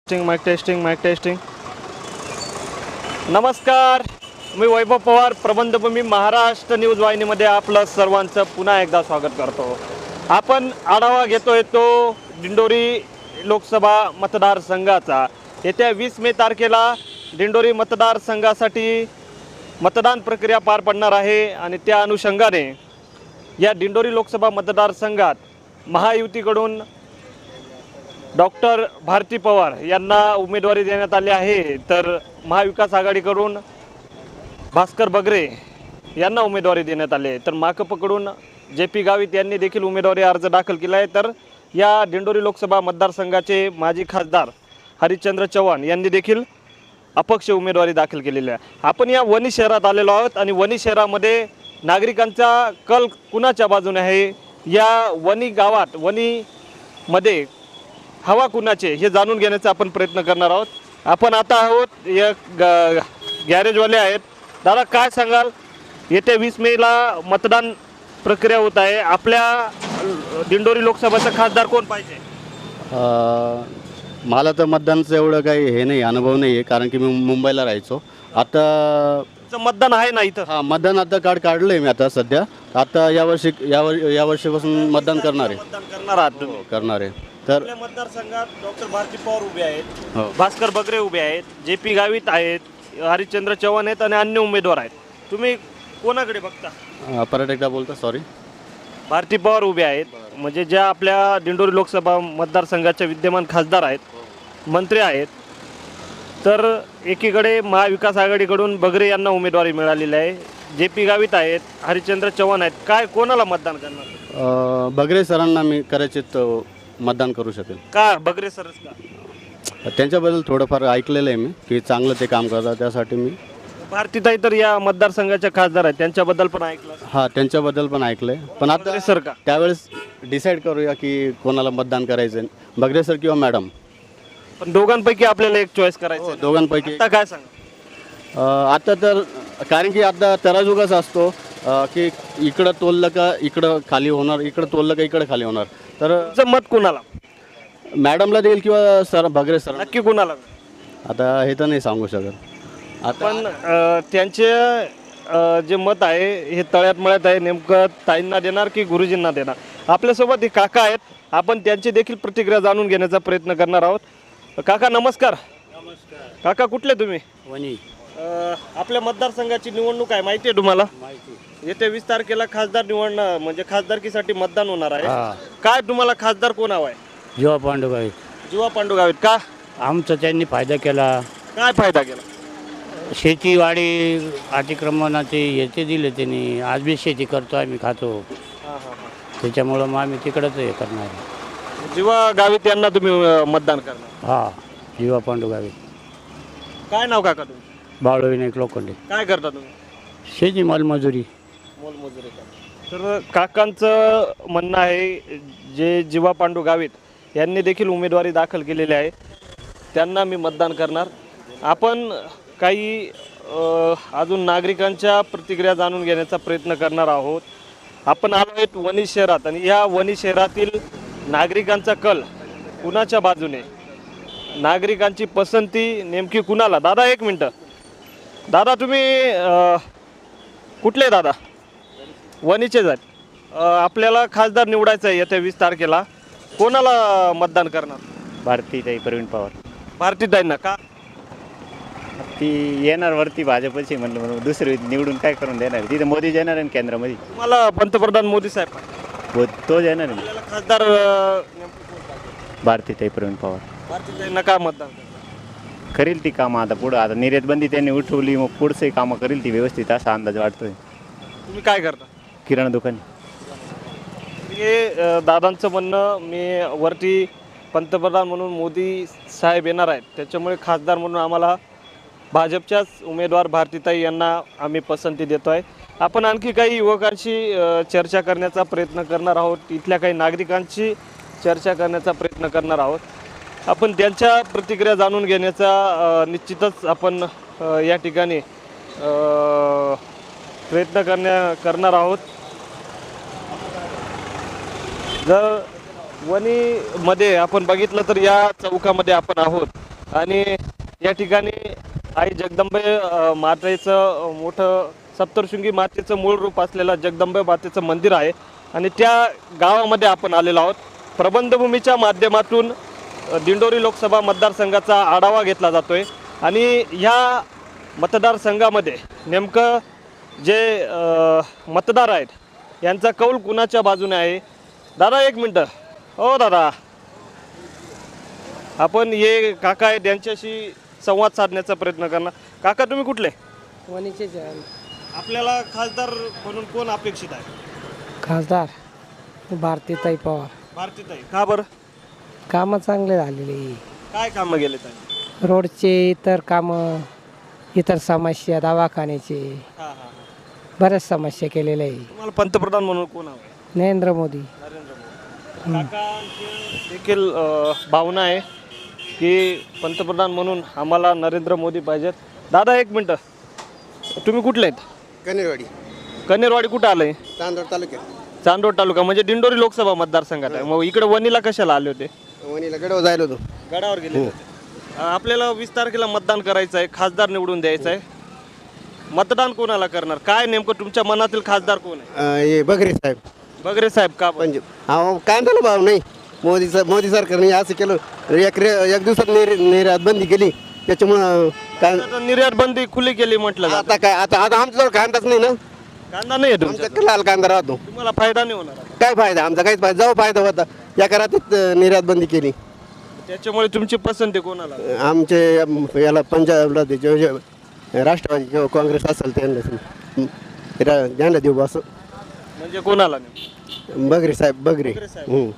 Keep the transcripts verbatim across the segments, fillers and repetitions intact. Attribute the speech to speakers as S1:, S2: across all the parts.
S1: Testing mike testing mike testing. नमस्कार, मी वैभव पवार, प्रबंधभूमी महाराष्ट्र न्यूज वाहिनीमध्ये आपलं सर्वांचं पुन्हा एकदा स्वागत करतो. आपण आढावा घेतोय तो दिंडोरी लोकसभा मतदारसंघाचा. येत्या वीस मे तारखेला दिंडोरी मतदारसंघासाठी मतदान प्रक्रिया पार पडणार आहे आणि त्या अनुषंगाने या दिंडोरी लोकसभा मतदारसंघात महायुतीकडून डॉक्टर भारती पवार यांना उमेदवारी देण्यात आली आहे, तर महाविकास आघाडीकडून भास्कर बगरे यांना उमेदवारी देण्यात आली आहे, तर माकपकडून जे पी गावित यांनी देखील उमेदवारी अर्ज दाखल केला आहे. तर या दिंडोरी लोकसभा मतदारसंघाचे माजी खासदार हरिश्चंद्र चव्हाण यांनी देखील अपक्ष उमेदवारी दाखल केलेली आहे. आपण या वणी शहरात आलेलो आहोत आणि वणी शहरामध्ये नागरिकांचा कल कुणाच्या बाजूने आहे, या वणी गावात वणीमध्ये हवा कुणाचे हे जाणून घेण्याचा आपण प्रयत्न करणार आहोत. आपण आता आहोत एक गॅरेजवाले आहेत. दादा, काय सांगाल, येत्या वीस मेला मतदान प्रक्रिया होत आहे, आपल्या दिंडोरी लोकसभेचा खासदार कोण पाहिजे?
S2: मला तर मतदानचं एवढं काही हे नाही, अनुभव नाही आहे, कारण की मी मुंबईला राहायचो. आता
S1: मतदान आहे ना इथं?
S2: हां, मतदान आता कार्ड काढलं आहे मी आता सध्या. आता यावर्षी यावर या वर्षीपासून मतदान करणार आहे.
S1: मतदान करणार आहात तुम्ही?
S2: करणार आहे. तर
S1: आपल्या मतदारसंघात डॉक्टर भारती पवार उभे आहेत,
S2: हो,
S1: भास्कर बगरे उभे आहेत, जे पी गावित आहेत, हरिश्चंद्र चव्हाण आहेत आणि अन्य उमेदवार आहेत. तुम्ही कोणाकडे बघता?
S2: परत एकदा बोलता, सॉरी.
S1: भारती पवार उभे आहेत, म्हणजे ज्या आपल्या दिंडोरी लोकसभा मतदारसंघाच्या विद्यमान खासदार आहेत, मंत्री आहेत. तर एकीकडे महाविकास आघाडीकडून बगरे यांना उमेदवारी मिळालेली आहे, जे पी गावित आहेत, हरिश्चंद्र चव्हाण आहेत. काय कोणाला मतदान करणार?
S2: बगरे सरांना मी कदाचित मतदान करू शकेल.
S1: का बगरे सरच का?
S2: त्यांच्याबद्दल थोडंफार ऐकलेलं आहे मी, की चांगलं ते काम करतात, त्यासाठी मी.
S1: भारतीताई तर या मतदारसंघाच्या खासदार आहेत, त्यांच्याबद्दल पण ऐकलं?
S2: हां, त्यांच्याबद्दल पण ऐकलं आहे, पण आता
S1: सर का
S2: त्यावेळेस डिसाईड करूया की कोणाला मतदान करायचं, बगरे सर किंवा मॅडम.
S1: पण दोघांपैकी आपल्याला एक चॉईस करायचं.
S2: दोघांपैकी
S1: आता काय सांगा?
S2: आता तर कारण की आता तराजुगाच असतो की इकडं तोललं का इकडं खाली होणार, इकडं तोललं का इकडं खाली होणार. तर
S1: तुमचं मत कुणाला?
S2: मॅडमला देईल किंवा सर बगरे सर?
S1: नक्की कुणाला?
S2: आता हे तर नाही सांगू शकत. आता
S1: पण अ, त्यांचे अ, जे मत आहे हे तळ्यात मळ्यात आहे, नेमकं ताईंना देणार की गुरुजींना देणार? आपल्यासोबत हे काका आहेत, आपण त्यांची देखील प्रतिक्रिया जाणून घेण्याचा प्रयत्न करणार आहोत. काका नमस्कार.
S3: नमस्कार.
S1: काका कुठले तुम्ही?
S3: वणी.
S1: अ, आपल्या मतदारसंघाची निवडणूक आहे, माहिती आहे तुम्हाला?
S3: माहिती.
S1: येत्या वीस तारखेला खासदार निवडणं म्हणजे खासदारकीसाठी मतदान होणार आहे.
S3: हा.
S1: काय तुम्हाला खासदार कोण हवा आहे?
S3: जेव्हा पांडुगावी
S1: जीवा पांडू गावित. का?
S3: आमचा त्यांनी फायदा केला.
S1: काय फायदा केला?
S3: शेतीवाडी अतिक्रमणाचे याचे दिले त्यांनी. आज बी शेती करतो, आम्ही खातो,
S1: हां हां हां.
S3: त्याच्यामुळं मग आम्ही तिकडंच हे करणार आहे.
S1: जीवा गावित यांना तुम्ही अ, मतदान करणार?
S3: हा, जेव्हा पांडुगावी.
S1: काय नाव काका तुम्ही?
S3: बाळू विनायक लोखंडे.
S1: काय करता तुम्ही?
S3: शेती मालमजुरी.
S1: मोलमजुरी का? तर काकांचं म्हणणं आहे, जे जीवा पांडू गावित यांनी देखील उमेदवारी दाखल केलेली आहे, त्यांना मी मतदान करणार. आपण काही अ, अजून नागरिकांच्या प्रतिक्रिया जाणून घेण्याचा प्रयत्न करणार आहोत. आपण आलो आहेत वणी शहरात आणि या वणी शहरातील नागरिकांचा कल कुणाच्या बाजूने, नागरिकांची पसंती नेमकी कुणाला? दादा एक मिनटं. दादा तुम्ही अ, कुठले दादा? वणीचेच आहेत. अ, आपल्याला खासदार निवडायचं आहे येत्या वीस तारखेला, कोणाला मतदान करणार?
S4: भारतीताई प्रवीण पवार.
S1: भारतीताईंना का?
S4: ती येणार वरती भाजपची म्हणलं, म्हणून दुसरी निवडून काय करून देणार? तिथे मोदी येणार आहे केंद्रामध्ये.
S1: तुम्हाला पंतप्रधान मोदी साहेब पाहिजे?
S4: हो, तो येणार आहे.
S1: आपल्याला खासदार अ, नेमकं कोण पाहिजे?
S4: भारतीताई प्रवीण पवार
S1: भारतीताईंना का मतदान करणार?
S4: करेल ती कामं आता पुढं. आता निर्यात बंदी त्यांनी उठवली, मग पुढचंही कामं करेल ती व्यवस्थित, असा अंदाज वाटतोय.
S1: तुम्ही काय करता?
S4: किराणा दुकान.
S1: हे अ, दादांचं म्हणणं, मी वरती पंतप्रधान म्हणून मोदी साहेब येणार आहेत, त्याच्यामुळे खासदार म्हणून आम्हाला भाजपच्याच उमेदवार भारतीताई यांना आम्ही पसंती देतो आहे. आपण आणखी काही युवकांशी अ, चर्चा करण्याचा प्रयत्न करणार आहोत, इथल्या काही नागरिकांशी चर्चा करण्याचा प्रयत्न करणार आहोत. आपण त्यांच्या प्रतिक्रिया जाणून घेण्याचा अ, निश्चितच आपण अ, या ठिकाणी अ, प्रयत्न करण्या करणार आहोत. जर वणीमध्ये आपण बघितलं तर या चौकामध्ये आपण आहोत, आणि या ठिकाणी आई जगदंबे अ, मातेचं अ, मोठं सप्तशृंगी मातेचं मूळ रूप असलेलं जगदंबे मातेचं मंदिर आहे आणि त्या गावामध्ये आपण आलेलो आहोत. प्रबंधभूमीच्या माध्यमातून अ, दिंडोरी लोकसभा मतदारसंघाचा आढावा घेतला जातोय आणि ह्या मतदारसंघामध्ये नेमकं जे अ, मतदार आहेत यांचा कौल कुणाच्या बाजूने आहे. दादा एक मिनटं. हो दादा, आपण हे काका आहेत यांच्याशी संवाद साधण्याचा प्रयत्न करणार. काका तुम्ही कुठले?
S5: वणीचेच आहे.
S1: आपल्याला खासदार म्हणून कोण अपेक्षित आहे?
S5: खासदार भारतीताई पवार.
S1: भारतीताई. का बरं?
S5: कामं चांगले झालेले,
S1: काय कामं गेले ताई?
S5: रोडचे, इतर कामं, इतर समस्या, दवाखान्याचे
S1: हां हां हां.
S5: बऱ्याच समस्या केलेल्या आहे.
S1: तुम्हाला पंतप्रधान म्हणून कोण हवं?
S5: नरेंद्र मोदी.
S1: नरेंद्र मोदी. काकांची देखील अ, भावना आहे की पंतप्रधान म्हणून आम्हाला नरेंद्र मोदी पाहिजेत. दादा एक मिनटं, तुम्ही कुठले आहेत?
S6: कनेरवाडी
S1: कनेरवाडी कुठं आलंय?
S6: तांदूळ तालुक्यात
S1: चांदोड तालुका म्हणजे दिंडोरी लोकसभा मतदारसंघात आहे. मग इकडे वणीला कशाला आले होते?
S6: वणीला गडव जायला होतो.
S1: गडावर गेले होते. अ, आपल्याला वीस तारखेला मतदान करायचं आहे, खासदार निवडून द्यायचं आहे. मतदान कोणाला करणार? काय नेमकं तुमच्या मनातील खासदार कोण आहे?
S6: अं, हे बगरे साहेब
S1: बगरे साहेब. का बरं?
S6: पंजाब हा कांद्याला भाव नाही. मोदी सा- मोदी सरकारने असं केलं, एक रे एक दिवसात निर् निर्यात बंदी केली, त्याच्यामुळं काय
S1: आता निर्यात बंदी खुली केली म्हटलं जातं.
S6: आता काय आता आता आमच्याजवळ कांदाच नाही ना.
S1: कांदा नाही आहे तुमच्या?
S6: आमचा लाल कांदा राहतो.
S1: तुम्हाला फायदा नाही होणार आता.
S6: काय फायदा आमचा? काहीच फायदा. जाऊ फायदा होता या करातीत निर्यात बंदी केली.
S1: त्याच्यामुळे तुमची पसंती कोणाला?
S6: आमचे अम, याला पंजाबला ते जे- जे राष्ट्रवादी किंवा काँग्रेस असेल त्यांना त्यांना देऊ असं.
S1: म्हणजे कोणाला नाही?
S6: बगरे साहेब बगरे हम्म.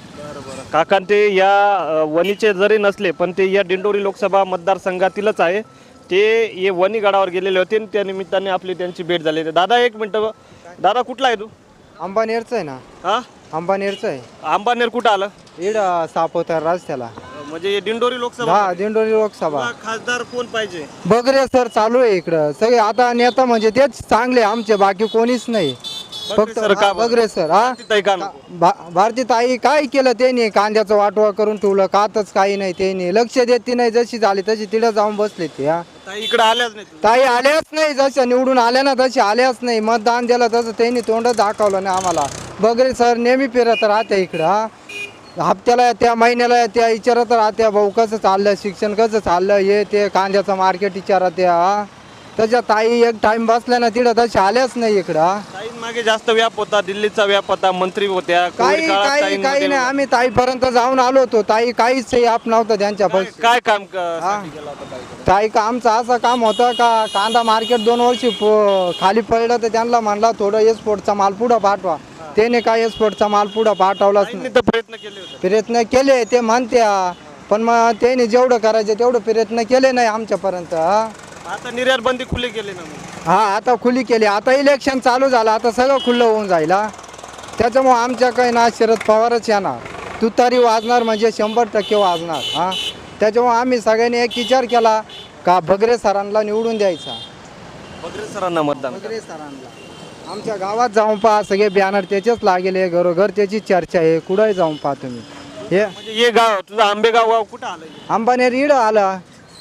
S1: काकां ते या अ, वणीचे जरी नसले पण ते या दिंडोरी लोकसभा मतदारसंघातीलच आहे. ते ये वणी गडावर गेलेले होते आणि त्या निमित्ताने आपली त्यांची भेट झाली. दादा एक मिनटं. दादा कुठला आहे तू?
S7: अंबानेरचं आहे ना.
S1: हा,
S7: अंबानेरचं आहे.
S1: अंबानेर कुठं आलं?
S7: इड सापोतर रस्त्याला.
S1: म्हणजे हे दिंडोरी लोकसभा.
S7: हा दिंडोरी लोकसभा.
S1: तुला खासदार कोण पाहिजे?
S7: बगरे सर चालू आहे इकडं सगळे आता नेता म्हणजे तेच चांगले आमचे, बाकी कोणीच नाही.
S1: बगरे सर का
S7: हा,
S1: बरं?
S7: बगरे सर हा
S1: ताई का नको?
S7: भा- भारती ताई काय केलं त्यांनी? कांद्याचं वाटवा करून ठेवलं, कातच काही नाही. त्यांनी लक्ष देत नाही. जशी झाली तशी तिथं जाऊन बसले ते. हा
S1: ताई इकडे आल्याच नाही तू.
S7: ताई आल्याच नाही. जसं निवडून आल्या ना तशी आल्याच नाही. मतदान दिलं तसं त्यांनी तोंड दाखवलं नाही आम्हाला. बगरे सर नेहमी फिरत राहते इकडं. हा हप्त्याला त्या महिन्याला त्या विचारत राहत्या, भाऊ कसं चाललं, शिक्षण कसं चाललं, हे ते कांद्याचं मार्केट विचारत त्या. हा त्याच्या ताई एक टाइम बसल्या ना तिथं तशी आल्याच नाही इकडं. हा
S1: ताईंमागे जास्त व्याप होता, दिल्लीचा व्याप होता, मंत्री होत्या.
S7: काही
S1: कोविड काळात
S7: काही काही
S1: ताईंमध्ये
S7: नाही. आम्ही ताईपर्यंत जाऊन आलो होतो. ताई काहीच आप नव्हतं त्यांच्या
S1: काय-
S7: पैसे.
S1: काय काम क- साठी केलं होतं ताईकडे?
S7: ताई का आमचं असं काम होतं का कांदा मार्केट दोन वर्षी प- खाली पडलं तर त्यांना म्हणला थोडं एक्सपोर्टचा माल पुढं पाठवा. त्याने काय एक्सपोर्टचा माल पुढं पाठवलाच नाही.
S1: ताईंनी तर प्रयत्न केले होते.
S7: प्रयत्न केले ते म्हणत्या, पण मग त्याने जेवढं करायचं तेवढं प्रयत्न केले नाही आमच्यापर्यंत. हा
S1: आता निर्यात बंदी खुली केली ना मग.
S7: हा आता खुली केली. आता इलेक्शन चालू झालं, आता सगळं खुलं होऊन जाईल. हा. त्याच्यामुळं आमच्या काही ना शरद पवारच येणार. तुतारी वाजणार म्हणजे शंभर टक्के वाजणार. हा त्याच्यामुळं आम्ही सगळ्यांनी एक विचार केला का बगरे सरांना निवडून द्यायचा.
S1: बगरे सरांना मतदान.
S7: बगरे सरांना आमच्या गावात जाऊन पहा, सगळे बॅनर त्याचेच लागेले, घरोघर त्याची चर्चा आहे. कुठंही जाऊन पहा तुम्ही. हे
S1: म्हणजे हे गाव तुझं आंबेगाव गाव कुठं आलं?
S7: अंबानेर इड आला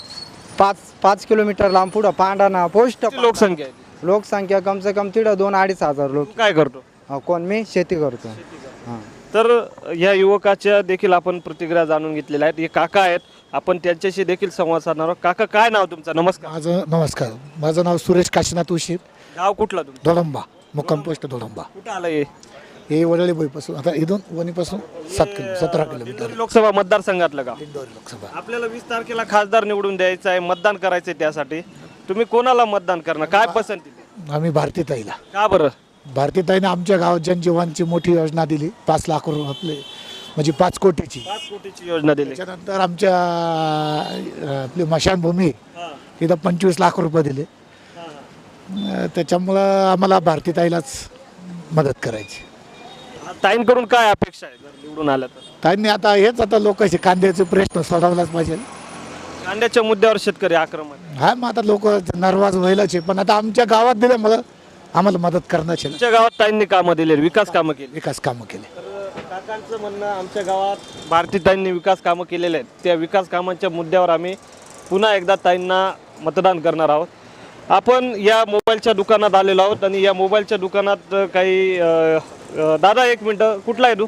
S7: पाच पाच किलोमीटर लांब पुढं पांढाणा पोस्ट.
S1: किती लोकसंख्या आहे?
S7: लोकसंख्या कम से कम तिथं दोन अडीच हजार लोक.
S1: तू काय करतो?
S7: हा, कोण? मी शेती करतो. हां
S1: तर ह्या युवकाच्या देखील आपण प्रतिक्रिया जाणून घेतलेल्या आहेत. हे काका आहेत, आपण त्यांच्याशी देखील संवाद साधणार आहोत. काका काय नाव तुमचं? नमस्कार.
S8: माझं नमस्कार माझं नाव सुरेश काशीनाथ उशीर,
S1: गाव कुठलं तुमचं?
S8: दोडंबा, मुक्काम पोस्ट दोडंबा.
S1: कुठं आलं हे?
S8: हे वडळी बोईपासून आता इथून वणीपासून सात किलो सतरा किलोमीटर
S1: दिंडोरी लोकसभा मतदारसंघातलं गाव.
S8: दिंडोरी लोकसभा.
S1: आपल्याला वीस तारखेला खासदार निवडून द्यायचं आहे, मतदान करायचंय. त्यासाठी तुम्ही कोणाला मतदान करणार? काय पसंती?
S8: आम्ही भारतीताईला.
S1: का बरं?
S8: भारतीताईने आमच्या गावात जनजीवनची मोठी योजना दिली, पाच लाख रुपये आपले म्हणजे पाच कोटीची.
S1: पाच कोटीची योजना दिली.
S8: त्याच्यानंतर आमच्या अं, आपली मशानभूमी
S1: हां,
S8: इथं पंचवीस लाख रुपये दिले.
S1: हां.
S8: अं, त्याच्यामुळं आम्हाला भारतीताईलाच मदत करायची.
S1: ताईंकडून काय अपेक्षा आहे जर निवडून आल्या तर?
S8: ताईंनी आता हेच आता लोकांचे कांद्याचे प्रश्न सोडवलाच पाहिजे.
S1: कांद्याच्या मुद्द्यावर शेतकरी आक्रमण.
S8: हा मग आता लोक नर्वाज व्हायलाच आहे, पण आता आमच्या गावात दिल्यामुळं आम्हाला मदत करण्याचे
S1: तुमच्या गावात ताईंनी कामं दिली, विकास कामं केली.
S8: विकास कामं केले.
S1: काकांचं म्हणणं आमच्या गावात भारतीताईंनी विकास कामं केलेले आहेत. त्या विकास कामांच्या मुद्द्यावर आम्ही पुन्हा एकदा ताईंना मतदान करणार आहोत. आपण या मोबाईलच्या दुकानात आलेलो आहोत आणि या मोबाईलच्या दुकानात काही अ, अ, दादा एक मिनटं, कुठला आहे तू?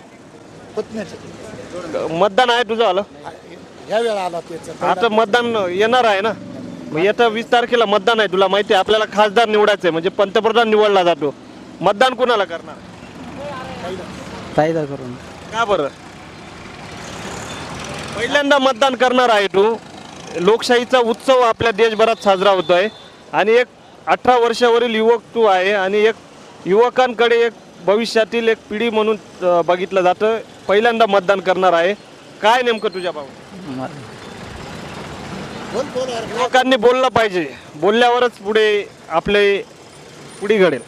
S1: मतदान आहे तुझं आलं?
S8: या वेळा आला त्याचं
S1: आता मतदान येणार आहे ना, मग येत्या वीस तारखेला मतदान आहे. तुला माहिती आहे आपल्याला खासदार निवडायचं आहे, म्हणजे पंतप्रधान निवडला जातो. मतदान कोणाला करणार?
S7: ताईदा करून
S1: का बरं? पहिल्यांदा मतदान करणार आहे तू. लोकशाहीचा उत्सव आपल्या देशभरात साजरा होतोय आणि एक अठरा वर्षावरील युवक तू आहे आणि एक युवकांकडे एक भविष्यातील एक पिढी म्हणून अ, बघितलं जातं. पहिल्यांदा मतदान करणार आहे. काय नेमकं तुझ्या भाऊ? युवकांनी बोललं पाहिजे, बोलल्यावरच पुढे आपले पुढे घडेल.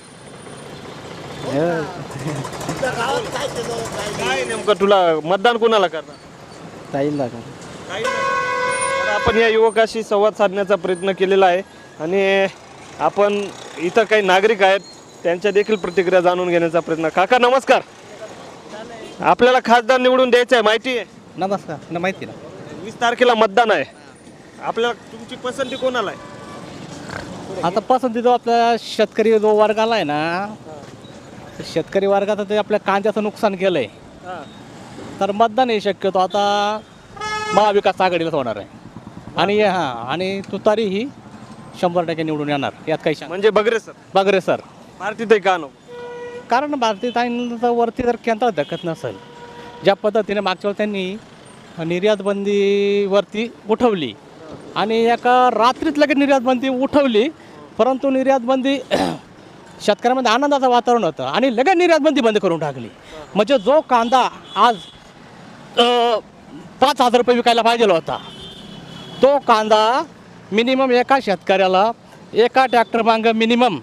S1: काय नेमकं तुला मतदान कोणाला करणार?
S7: ताईला
S1: काही नाही. तर आपण या युवकाशी संवाद साधण्याचा प्रयत्न केलेला आहे आणि आपण इथं काही नागरिक आहेत त्यांच्या देखील प्रतिक्रिया जाणून घेण्याचा प्रयत्न. काका नमस्कार. आपल्याला खासदार निवडून द्यायचं आहे, माहिती आहे?
S7: नमस्कार न माहिती ना.
S1: वीस तारखेला मतदान आहे. आपल्याला तुमची पसंती कोणाला आहे?
S9: आता पसंती जो आपल्या शेतकरी जो वर्गाला आहे ना, शेतकरी वर्गाचं ते आपल्या कांद्याचं नुकसान केलं आहे, तर मतदान हे शक्यतो आता महाविकास आघाडीलाच होणार आहे. आणि हां आणि तुतारी ही शंभर टक्के निवडून येणार, यात काही शंका
S1: म्हणजे बगरे सर,
S9: बगरे सर.
S1: भारतीताई का नको?
S9: कारण भारतीताईंचं वरती जर केंद्र धकत नसेल, ज्या पद्धतीने मागच्या वेळी त्यांनी निर्यात बंदीवरती उठवली आणि एका रात्रीत लगेच निर्यात बंदी उठवली, परंतु निर्यात बंदी शेतकऱ्यामध्ये आनंदाचं वातावरण होतं आणि लगेच निर्यात बंदी बंद करून टाकली. म्हणजे जो कांदा आज अ, पाच हजार रुपये विकायला पाहिजे होता, तो कांदा मिनिमम एका शेतकऱ्याला एका ट्रॅक्टर मागं मिनिमम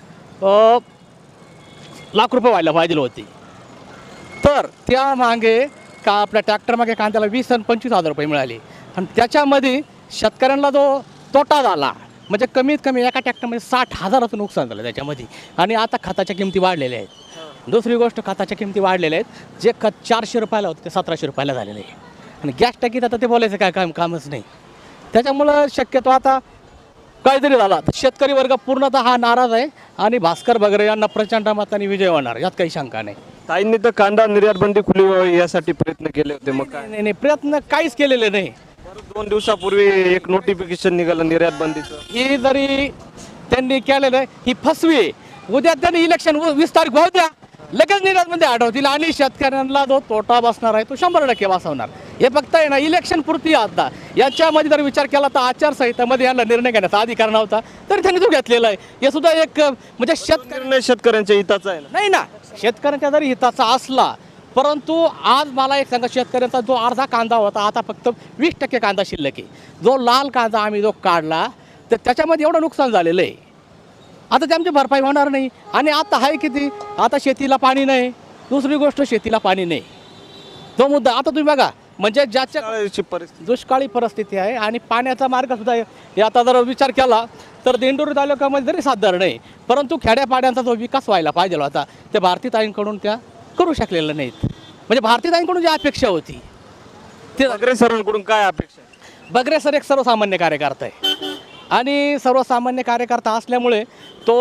S9: लाख रुपये व्हायला पाहिजे होती. तर त्या मागे का आपल्या ट्रॅक्टर मागे कांद्याला वीस आणि पंचवीस हजार रुपये मिळाले आणि त्याच्यामध्ये शेतकऱ्यांना जो तोटा झाला म्हणजे कमीत कमी एका ट्रॅक्टरमध्ये साठ हजाराचं नुकसान झालं त्याच्यामध्ये. आणि आता खताच्या किमती वाढलेल्या आहेत. दुसरी गोष्ट, खताच्या किमती वाढलेल्या आहेत. जे खत चारशे रुपयाला होतं ते सतराशे रुपयाला झालेलं आहे आणि गॅस टाकीत आता ते बोलायचं काय काम कामच नाही. त्याच्यामुळं शक्यतो आता काहीतरी झाला तर शेतकरी वर्ग पूर्णतः हा नाराज आहे आणि भास्कर बगरे यांना प्रचंड मताने विजय होणार, यात काही शंका नाही.
S1: ताईंनी तर कांदा निर्यात बंदी खुली व्हावी यासाठी प्रयत्न केले होते, मग काय?
S9: नाही नाही प्रयत्न काहीच केलेले नाही.
S1: दोन दिवसापूर्वी एक नोटिफिकेशन निघालं निर्यात बंदीचं.
S9: ही जरी त्यांनी केलेलं आहे ही फसवी आहे. उद्या त्यांनी इलेक्शन वीस तारीख होऊ द्या, लगेच निर्यातमध्ये हटवतील आणि शेतकऱ्यांना जो तोटा बसणार आहे तो शंभर टक्के बसवणार. हे फक्त आहे ना इलेक्शन पुरती आता. याच्यामध्ये जर विचार केला तर आचारसंहितेमध्ये यांना निर्णय घेण्याचा अधिकार नव्हता, तरी त्यांनी तो घेतलेला आहे. हे सुद्धा एक म्हणजे शेतकरी
S1: निर्णय शेतकऱ्यांच्या हिताचा आहे ना.
S9: नाही ना, शेतकऱ्यांच्या जरी हिताचा असला, परंतु आज मला एक सांगा, शेतकऱ्यांचा जो अर्धा कांदा होता आता फक्त वीस टक्के कांदा शिल्लक आहे. जो लाल कांदा आम्ही जो काढला तर त्याच्यामध्ये एवढं नुकसान झालेलं आहे. आता ते आमची भरपाई होणार नाही. आणि आता आहे किती, आता शेतीला पाणी नाही. दुसरी गोष्ट, शेतीला पाणी नाही, तो मुद्दा. आता तुम्ही बघा, म्हणजे ज्याच्या
S1: दुष्काळाची परिस्थिती,
S9: दुष्काळी परिस्थिती आहे आणि पाण्याचा मार्ग सुद्धा आहे. हे आता जर विचार केला तर दिंडोरी तालुक्यामध्ये जरी साधारण नाही, परंतु खेड्यापाड्यांचा जो विकास व्हायला पाहिजे होता ते भारतीताईंकडून त्या करू शकलेलं नाहीत. म्हणजे भारतीताईंकडून जी अपेक्षा होती ते
S1: बगरे सरांकडून काय अपेक्षा आहे?
S9: बगरे सर एक सर्वसामान्य कार्यकर्ता आहे आणि सर्वसामान्य कार्यकर्ता असल्यामुळे तो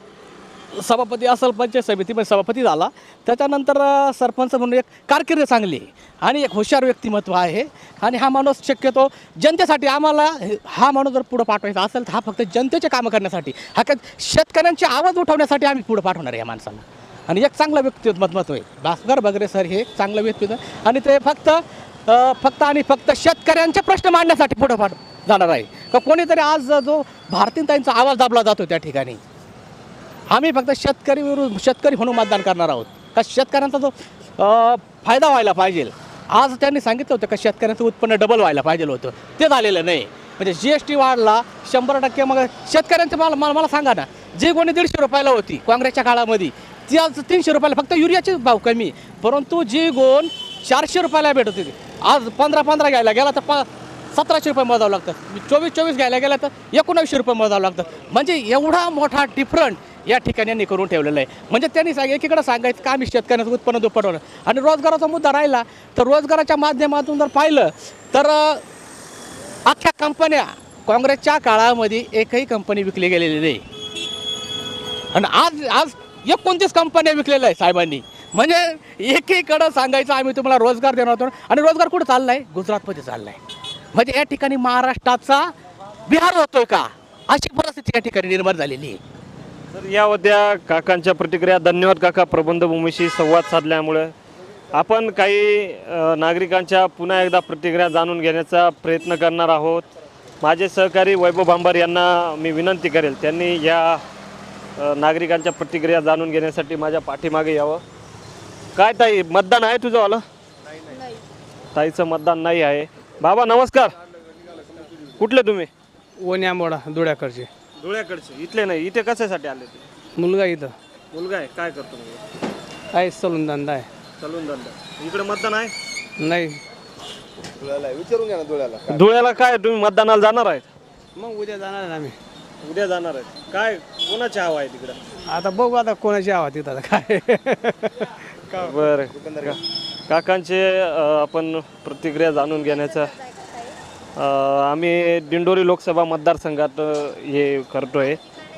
S9: सभापती असेल, पंचायत समितीमध्ये सभापती झाला. त्याच्यानंतर सरपंच म्हणून एक कारकीर्द चांगली आहे आणि एक हुशार व्यक्तिमत्व आहे. आणि हा माणूस शक्यतो जनतेसाठी, आम्हाला हा माणूस जर पुढं पाठवायचा असेल तर हा फक्त जनतेचे कामं करण्यासाठी, हा काय शेतकऱ्यांचे आवाज उठवण्यासाठी आम्ही पुढं पाठवणार आहे या माणसाला. आणि एक चांगलं व्यक्तिमत्व आहे भास्कर बगरे सर, हे एक चांगलं व्यक्तिमत्व आणि ते फक्त फक्त आणि फक्त शेतकऱ्यांचे प्रश्न मांडण्यासाठी पुढं पाठ जाणार आहे. का कोणीतरी आज जो भारतीताईंचा आवाज दाबला जातो त्या ठिकाणी, आम्ही फक्त शेतकरी विरुद्ध शेतकरी म्हणून मतदान करणार आहोत. का शेतकऱ्यांचा जो फायदा व्हायला पाहिजे. आज त्यांनी सांगितलं होतं का शेतकऱ्यांचं उत्पन्न डबल व्हायला पाहिजे होतं, ते झालेलं नाही. म्हणजे जी एस टी वाढला शंभर टक्के. मग शेतकऱ्यांचं मला मला मला सांगा ना, जी कोणी दीडशे रुपयाला होती काँग्रेसच्या काळामध्ये ती आज तीनशे रुपयाला, फक्त युरियाचे भाव कमी. परंतु जी गोण चारशे रुपयाला भेटत होती आज पंधरा पंधरा घ्यायला गेला तर प सतराशे रुपये मोजावं लागतं, चोवीस चोवीस घ्यायला गेलं तर एकोणावीसशे रुपये मोजावं लागतं. म्हणजे एवढा मोठा डिफरंट या ठिकाणी यांनी करून ठेवलेलं आहे. म्हणजे त्यांनी सांग एकीकडे सांगायचं का आम्ही शेतकऱ्यांचं उत्पन्न दुप्पटवलं, आणि रोजगाराचा मुद्दा राहिला तर रोजगाराच्या माध्यमातून जर पाहिलं तर अख्ख्या कंपन्या काँग्रेसच्या काळामध्ये एकही कंपनी विकली गेलेली नाही, आणि आज आज एकोणतीस कंपन्या विकलेल्या आहे साहेबांनी. म्हणजे एकीकडं सांगायचं आम्ही तुम्हाला रोजगार देणार होतो, आणि रोजगार कुठं चालला आहे? गुजरातमध्ये चालला आहे. म्हणजे या ठिकाणी महाराष्ट्राचा बिहार होतोय का, अशी परिस्थिती या ठिकाणी निर्माण झालेली आहे.
S1: तर या होत्या काकांच्या प्रतिक्रिया. धन्यवाद काका प्रबंधभूमीशी संवाद साधल्यामुळे. आपण काही अ, नागरिकांच्या पुन्हा एकदा प्रतिक्रिया जाणून घेण्याचा प्रयत्न करणार आहोत. माझे सहकारी वैभव भांबार यांना मी विनंती करेल त्यांनी या अ, नागरिकांच्या प्रतिक्रिया जाणून घेण्यासाठी माझ्या पाठीमागे यावं. काय ताई, मतदान आहे तुझं आलं? ताईचं मतदान नाही आहे. बाबा नमस्कार, कुठले तुम्ही?
S3: ओन्यामोडा धुळ्याकडचे.
S1: धुळ्याकडचे. इथले नाही, इथे कशासाठी आले ते?
S3: मुलगा इथं
S1: मुलगा आहे. काय करतो मुलगा?
S3: काय सलून धंदा आहे.
S1: चालून धंदा. इकडे मतदान आहे?
S3: नाही,
S1: धुळ्याला काय तुम्ही मतदानाला जाणार आहेत?
S3: मग उद्या जाणार आहे आम्ही.
S1: उद्या जाणार आहेत. काय कोणाची हवा आहे तिकडं?
S3: आता बघू आता कोणाची आवाज तिथं आता काय.
S1: बरं का- काकांचे अ, आपण प्रतिक्रिया जाणून घेण्याचा अ, आम्ही दिंडोरी लोकसभा मतदारसंघात अ, हे करतोय.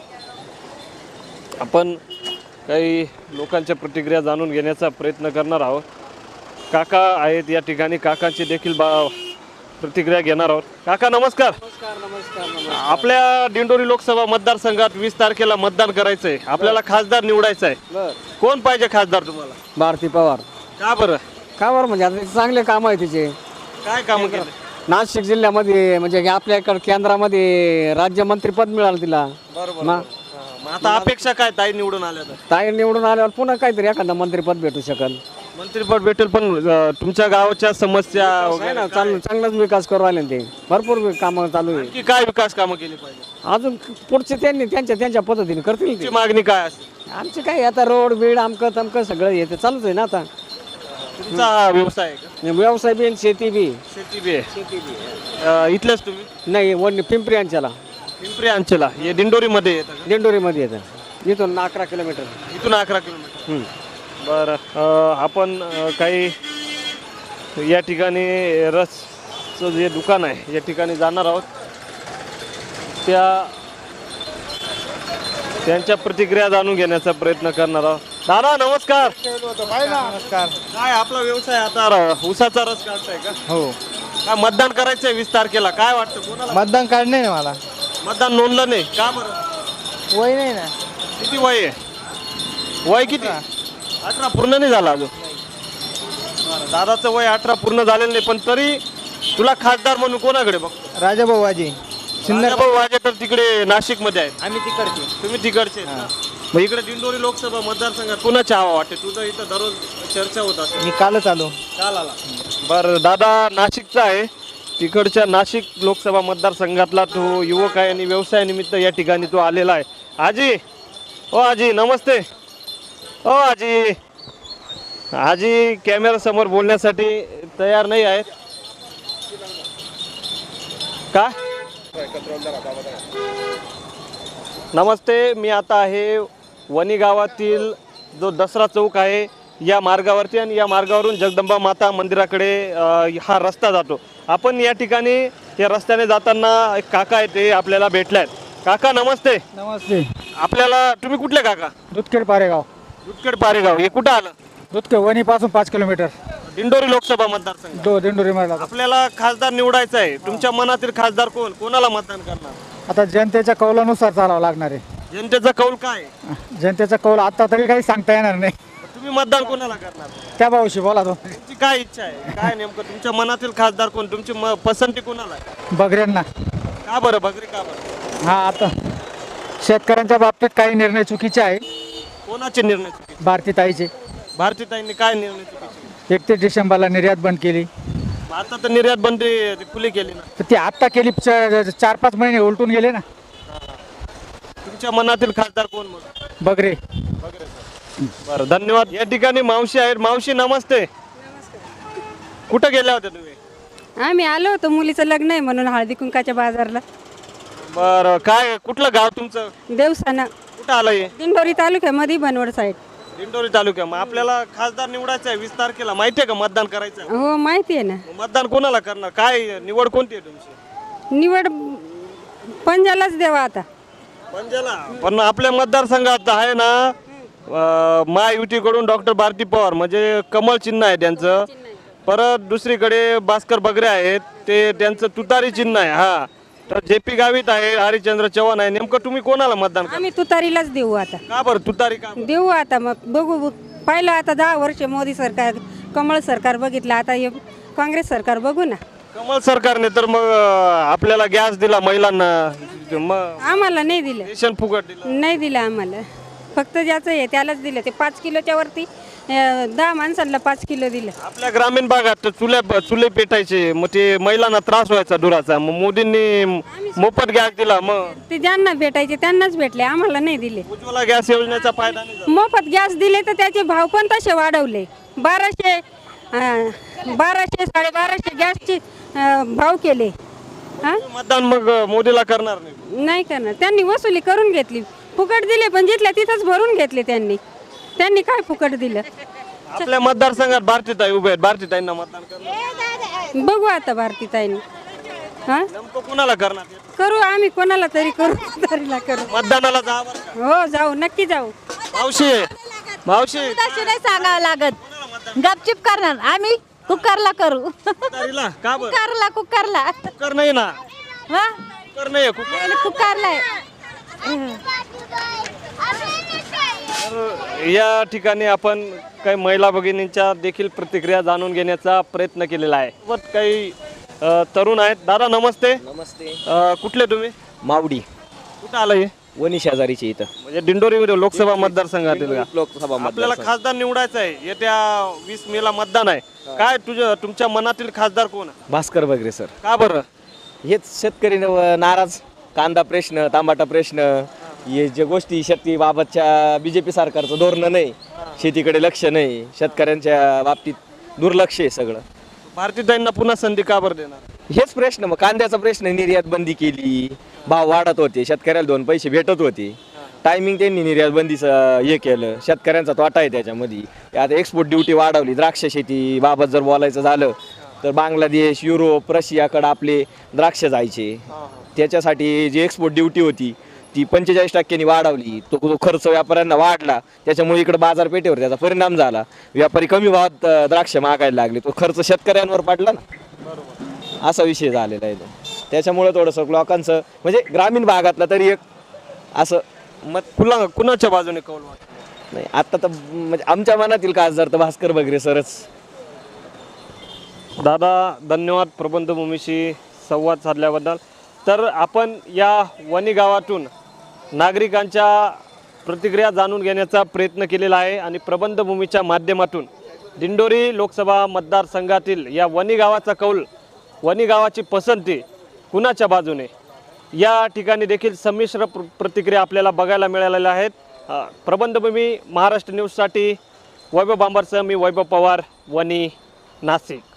S1: आपण काही लोकांच्या प्रतिक्रिया जाणून घेण्याचा प्रयत्न करणार आहोत. काका आहेत या ठिकाणी, काकांची देखील बा प्रतिक्रिया घेणार आहोत. काका नमस्कार. आपल्या दिंडोरी लोकसभा मतदारसंघात वीस तारखेला मतदान करायचं आहे. आपल्याला खासदार निवडायचं आहे. कोण पाहिजे खासदार तुम्हाला?
S7: भारती पवार.
S1: का बरं?
S7: का बरं? म्हणजे आता चांगले काम आहे तिचे.
S1: काय कामं केले?
S7: नाशिक जिल्ह्यामध्ये म्हणजे आपल्या इकडे केंद्रामध्ये राज्यमंत्रीपद मिळालं तिला.
S1: बरोबर.
S7: मग
S1: मग आता अपेक्षा काय ताई निवडून आल्या तर?
S7: ताई निवडून आल्यावर पुन्हा काहीतरी एखादं मंत्रीपद भेटू शकल.
S1: मंत्रीपद भेटेल, पण अ, तुमच्या गावाच्या समस्या
S7: काय
S1: वगैरे
S7: ना चांगलं चांगलाच विकास करू राहिले ते. भरपूर कामं चालू आहे.
S1: की काय विकास कामं केली पाहिजे?
S7: अजून पुढचे त्यांनी त्यांच्या त्यांच्या पद्धतीने करतील ते.
S1: तुमची मागणी काय असेल?
S7: आमचे काय आता रोड बीड आमकं तमकं सगळं येते चालूच आहे ना. आता
S1: तुमचा हा व्यवसाय आहे का?
S7: व्यवसाय बी आणि शेती बी.
S1: शेती बी आहे. अ, इथलेच तुम्ही?
S7: नाही वन पिंपरी अंच्याला
S1: पिंपरी अंचला हे दिंडोरीमध्ये येतं का?
S7: दिंडोरीमध्ये येतं. इथून अकरा किलोमीटर.
S1: इथून अकरा किलोमीटर. बरं. अ, आपण अ, काही या ठिकाणी रसचं जे दुकान आहे या ठिकाणी जाणार आहोत. त्या त्यांच्या प्रतिक्रिया जाणून घेण्याचा प्रयत्न करणार आहोत. दादा नमस्कार.
S7: नमस्कार.
S1: काय आपला व्यवसाय आता र- ऊसाचा रस काढताय का?
S7: हो,
S1: काय मतदान करायचंय वीस तारखेला? काय वाटतं कोणाला?
S7: मतदान कार्ड नाही ना मला.
S1: मतदान नोंदलं नाही का बरं?
S7: वय नाही ना.
S1: किती वय आहे? वय किती? अठरा पूर्ण नाही झाला अजून. बरं, दादाचं वय अठरा पूर्ण झालेलं नाही, पण तरी तुला खासदार म्हणून कोणाकडे बघ?
S7: राजाभाऊ वाजी
S1: भाऊ वाजे तर तिकडे नाशिक मध्ये आहेत.
S7: आम्ही तिकडचे.
S1: तुम्ही तिकडचे आहेत ना? मग इकडे दिंडोरी लोकसभा मतदारसंघात कोणाची हवा वाटते? तुझं इथं दररोज चर्चा होत असेल.
S7: मी कालच आलो.
S1: काल आला. बरं, दादा नाशिकचा आहे. तिकडच्या नाशिक लोकसभा मतदारसंघातला तो युवक आहे आणि व्यवसायानिमित्त या ठिकाणी तो आलेला आहे. आजी, ओ आजी नमस्ते. ओ आजी. आजी कॅमेरा समोर बोलण्यासाठी तयार नाही आहेत का? नमस्ते. मी आता आहे वणी गावातील जो दसरा चौक आहे या मार्गावरती, आणि या मार्गावरून जगदंबा माता मंदिराकडे अ, हा रस्ता जातो. आपण या ठिकाणी या रस्त्याने जाताना एक काका आहे ते आपल्याला भेटले आहेत. काका नमस्ते.
S7: नमस्ते.
S1: आपल्याला तुम्ही कुठले काका?
S7: दुधखेड पारेगाव.
S1: दुधखेड पारेगाव. हे कुठं आलं?
S7: दुधखेड वणी पासून पाच किलोमीटर.
S1: दिंडोरी लोकसभा मतदारसंघ.
S7: दो दिंडोरी मारला.
S1: आपल्याला खासदार निवडायचा आहे. तुमच्या मनातील खासदार कोण? कोणाला मतदान करणार?
S7: आता जनतेच्या कौलानुसार चालावं लागणार आहे.
S1: जनतेचा कौल काय आहे?
S7: जनतेचा कौल आता तरी काही सांगता येणार नाही.
S1: तुम्ही मतदान कोणाला करणार?
S7: त्या भाऊशी बोला तो.
S1: तुमची काय इच्छा आहे? काय नेमकं तुमच्या मनातील खासदार कोण? तुमची म- पसंती कोणाला आहे?
S7: बगऱ्यांना.
S1: का बरं बगरे? का बरं?
S7: हा, आता शेतकऱ्यांच्या बाबतीत काही निर्णय चुकीचे आहे.
S1: कोणाचे निर्णय चुकीचे?
S7: भारतीताईचे.
S1: भारतीताईंनी काय निर्णय चुकीचे?
S7: एकतीस डिसेंबरला निर्यात बंद केली.
S1: आता तर निर्यात बंदी खुली केली ना.
S7: तर ती आत्ता केली. च- चार पाच महिने उलटून गेले ना.
S1: तुमच्या मनातील खासदार कोण मग?
S7: बगरे.
S1: बरं, धन्यवाद. या ठिकाणी मावशी आहेत. मावशी नमस्ते. कुठं गेल्या होत्या तुम्ही?
S10: आम्ही आलो होतो मुलीचं लग्न आहे म्हणून हळदी कुंकाच्या बाजारला.
S1: बरं, काय कुठलं गाव तुमचं?
S10: देवसाना
S1: कुठं आलं हे?
S10: दिंडोरी तालुक्यामध्ये बनवड साईड.
S1: दिंडोरी तालुक्या. मग आपल्याला खासदार निवडायचं आहे वीस तारखेला, माहिती आहे का मतदान करायचं आहे?
S10: हो माहिती आहे ना.
S1: मग मतदान कोणाला करणार? काय निवड कोणती आहे तुमची?
S10: निवड पंजालाच देवा आता.
S1: पंजाला. पण आपल्या मतदारसंघात आहे ना अं, महायुतीकडून डॉक्टर भारती पवार म्हणजे कमळ चिन्ह आहे त्यांचं. परत दुसरीकडे भास्कर बगरे आहेत, ते त्यांचं तुतारी चिन्ह आहे. हा, तर जे पी गावित आहे, हरिश्चंद्र चव्हाण आहे. नेमकं तुम्ही कोणाला मतदान करा?
S10: आम्ही तुतारीलाच देऊ आता.
S1: का बरं तुतारी का?
S10: देऊ आता मग बघू. पाहिलं आता दहा वर्ष मोदी सरकार कमळ सरकार बघितलं, आता हे काँग्रेस सरकार बघू ना.
S1: कमळ सरकारने तर मग अं, आपल्याला गॅस दिला महिलांना, मग
S10: आम्हाला नाही दिलं.
S1: रेशन फुकट दिलं.
S10: नाही दिलं आम्हाला. फक्त ज्याचं आहे त्यालाच दिलं. ते पाच किलोच्या वरती अं, दहा माणसांना पाच किलो दिलं.
S1: आपल्या ग्रामीण भागात चुल्या चुले पेटायचे, मग ते महिलांना त्रास व्हायचा धुराचा, मग मोदींनी मोफत गॅस दिला. मग
S10: ते ज्यांना भेटायचे त्यांनाच भेटले, आम्हाला नाही दिले.
S1: उज्ज्वला गॅस योजनेचा फायदा नाही झाला.
S10: मोफत गॅस दिले तर त्याचे भाव पण तसे वाढवले. बाराशे अं, बाराशे साडेबाराशे गॅसचे अं, भाव केले. हा
S1: मतदान मग मोदीला करणार नाही?
S10: नाही करणार. त्यांनी वसुली करून घेतली. फुकट दिले पण जिथल्या तिथंच भरून घेतले त्यांनी. त्यांनी काय फुकट दिलं?
S1: आपल्या मतदारसंघात भारतीताई उभे आहेत, भारतीताईंना मतदान करणार?
S10: बघू आता भारतीताईंनी. हा
S1: नेमकं कुणाला करणार?
S10: करू आम्ही, कोणाला तरी करू, तरीला करू.
S1: मतदानाला जा बरं का?
S10: हो जाऊ, नक्की जाऊ.
S1: मावशी मावशी
S11: नाही सांगावं लागत, गपचिप करणार आम्ही. कुकरला करू.
S1: तुतारीला का बरं?
S11: कुकरला कुकरला
S1: कुकर नाही ना,
S11: हा
S1: कुकर नाही आहे, कुकर.
S11: कुकरला
S1: तर या ठिकाणी आपण काही महिला भगिनींच्या देखील प्रतिक्रिया जाणून घेण्याचा प्रयत्न केलेला आहे. सोबत काही अ, तरुण आहेत. दादा नमस्ते.
S12: नमस्ते.
S1: अ, कुठले तुम्ही?
S12: मावडी.
S1: कुठं आलं हे?
S12: वणी शेजारीचे इथं,
S1: म्हणजे दिंडोरी लोकसभा मतदारसंघातील का?
S12: लोकसभा
S1: आपल्याला खासदार निवडायचं आहे, येत्या वीस मे ला मतदान आहे. काय तुझ्या तुमच्या मनातील खासदार कोण आहे?
S12: भास्कर बगरे सर.
S1: का बरं?
S12: हेच शेतकरी न- नाराज, कांदा प्रश्न, टमाटा प्रश्न, हे जे गोष्टी शेतीबाबतच्या बी जे पी सरकारचं धोरणं नाही, शेतीकडे लक्ष नाही, शेतकऱ्यांच्या बाबतीत दुर्लक्ष आहे सगळं.
S1: भारतीताईंना पुन्हा संधी का बरं देणार?
S12: हेच प्रश्न. मग कांद्याचा प्रश्न, निर्यात बंदी केली, भाव वाढत होते, शेतकऱ्याला दोन पैसे भेटत होते, टायमिंग त्यांनी निर्यात बंदीचं हे केलं, शेतकऱ्यांचा तोटा आहे त्याच्यामध्ये. आता एक्सपोर्ट ड्युटी वाढवली. द्राक्ष शेतीबाबत जर बोलायचं झालं तर बांगलादेश, युरोप, रशियाकडं आपले द्राक्ष जायचे, त्याच्यासाठी जी एक्सपोर्ट ड्युटी होती ती पंचेचाळीस टक्क्यांनी वाढवली. तो तो खर्च व्यापाऱ्यांना वाढला, त्याच्यामुळे इकडे बाजारपेठेवर त्याचा परिणाम झाला. व्यापारी कमी भावात अं, द्राक्ष मागायला लागले, तो खर्च शेतकऱ्यांवर पडला ना, असा विषय झालेला आहे तो. त्याच्यामुळे थोडंसं लोकांचं म्हणजे ग्रामीण भागातलं तरी एक असं
S1: मत कुणा कुणाच्या बाजूने कौल वाटतं?
S12: नाही. आता तर म्हणजे आमच्या मनातील खासदार तर भास्कर बगरे सरच.
S1: दादा धन्यवाद प्रबंधभूमीशी संवाद साधल्याबद्दल. तर आपण या वणी गावातून नागरिकांच्या प्रतिक्रिया जाणून घेण्याचा प्रयत्न केलेला आहे आणि प्रबंधभूमीच्या माध्यमातून दिंडोरी लोकसभा मतदारसंघातील या वणी गावाचा कौल, वणी गावाची पसंती कुणाच्या बाजूने, या ठिकाणी देखील संमिश्र प्र प्रतिक्रिया आपल्याला बघायला मिळालेल्या आहेत. अ, प्रबंधभूमी महाराष्ट्र न्यूजसाठी वैभव बांबरसह मी वैभव पवार, वणी, नाशिक.